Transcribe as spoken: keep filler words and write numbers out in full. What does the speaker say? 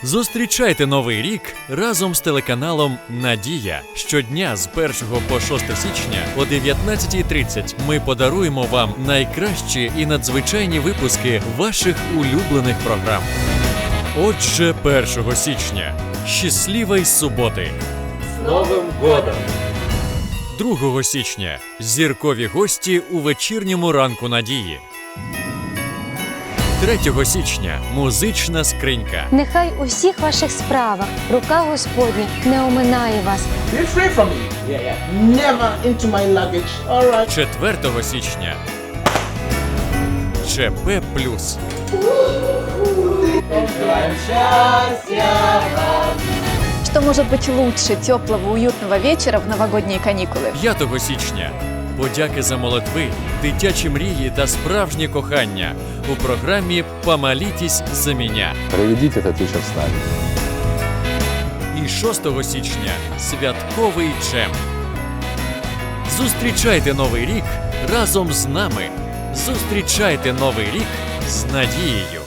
Зустрічайте Новий рік разом з телеканалом «Надія». Щодня з першого по шосте січня о дев'ятнадцятій тридцять ми подаруємо вам найкращі і надзвичайні випуски ваших улюблених програм. Отже, першого січня. Щасливої суботи! З Новим годом! другого січня. Зіркові гості у вечірньому ранку Надії. третього січня. Музична скринька. Нехай у всіх ваших справах рука Господня не оминає вас. Be free from me. Yeah, yeah. Never into my luggage. All right. четвертого січня. ЧП плюс. Что может быть лучше теплого, уютного вечера в новогодние каникулы? п'ятого січня. Подяки за молитви, дитячі мрії та справжнє кохання у програмі «Помолитесь за меня». Проведите этот вечер с нами. І шостого січня. Святковий джем. Зустрічайте Новий рік разом з нами. Зустрічайте Новий рік з Надією.